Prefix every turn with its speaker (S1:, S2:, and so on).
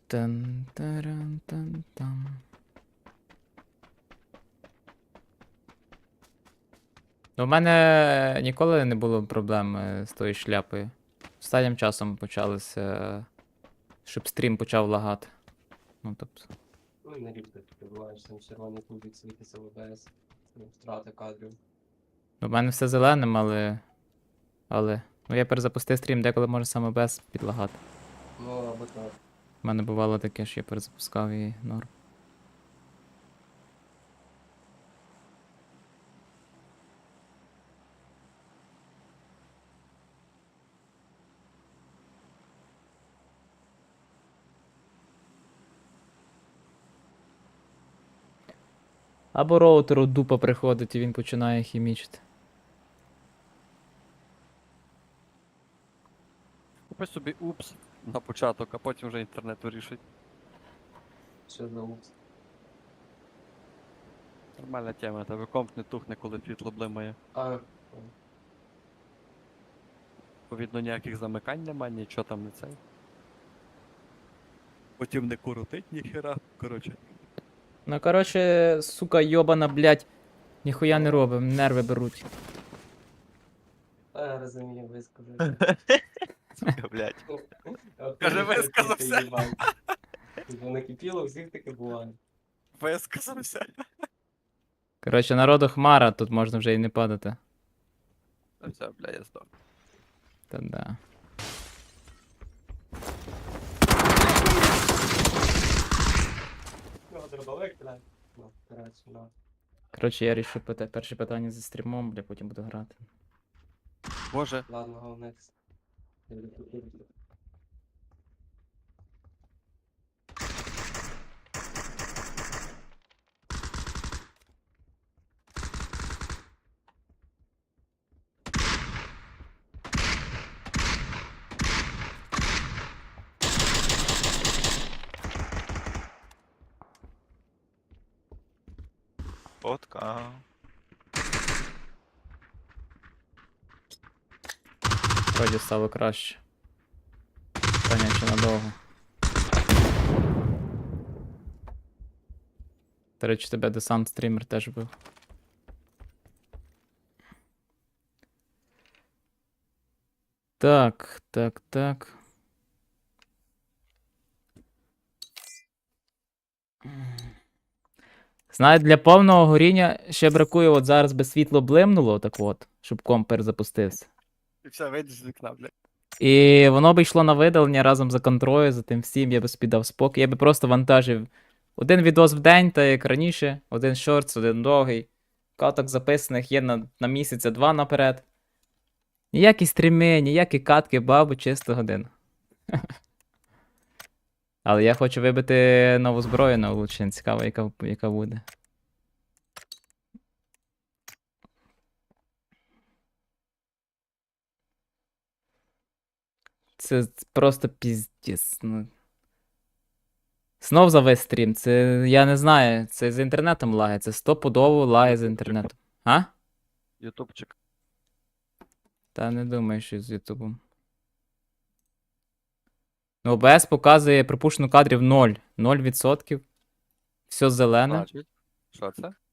S1: Тан-таран-тан-тан. Ну, у мене ніколи не було проблем з тою шляпою. Останнім часом почалося, щоб стрім почав лагати. Ну, тобто.
S2: Ну і на рідко ти буваєш, там червоний кубик світиться в ОБС, втрата кадрів.
S1: У мене все зеленим, але. Ну, я перезапустив стрім, деколи може саме без підлагати.
S2: Ну, або так.
S1: У мене бувало таке, що я перезапускав і норм. Або роутеру дупа приходить і він починає хімічити.
S3: Купи собі упс на початок, а потім вже інтернет вирішить.
S2: Що за упс?
S3: Нормальна тема, тебе комп не тухне, коли світло блимає.
S2: А,
S3: Відповідно, ніяких замикань нема, нічого там не цей. Потім не коротить ніхера. Коротше.
S1: Ну, коротше, сука, йобана, блядь, ніхуя не робим, нерви беруть.
S2: я розумію, висказав.
S3: Сука, блядь. Каже, висказався.
S2: Бо накипіло, у всіх таке буває.
S3: Висказався.
S1: Коротше, народу хмара, тут можна вже і не падати.
S3: Та все, бля, я здох.
S1: Та да.
S2: Ну, дробовик, блядь. Ну, коротше, ну.
S1: Коротше, я рішив перше питання зі стрімом, бля, потім буду грати.
S3: Боже,
S2: Ладно, головне.
S4: Фотка.
S1: Вроді стало краще. Питання чи надовго. До речі, тебе десант стрімер теж був. Так, так, так. Знаю, для повного горіння ще бракує, от зараз би світло блимнуло, так от, щоб комп перезапустився.
S3: і все, вийдеш з вікна, блядь.
S1: І воно би йшло на видалення разом за контролем, за тим всім, я би собі дав спокій. Я би просто вантажив один відос в день, та як раніше, один шортс, один довгий. Каток записаних є на місяця 2 наперед. Ніякі стріми, ніякі катки, бабу, чисто годину. Але я хочу вибити нову зброю на улучшення. Цікаво, яка буде. Це просто піздець. Ну. Знов завис стрім. Це я не знаю. Це з інтернетом лагає. Це стопудово лагає з інтернетом. А?
S3: Ютубчик.
S1: Та не думаю, що з Ютубом. Ну, OBS показує пропущено кадрів 0. 0%. Все зелене.
S3: Значить, що це?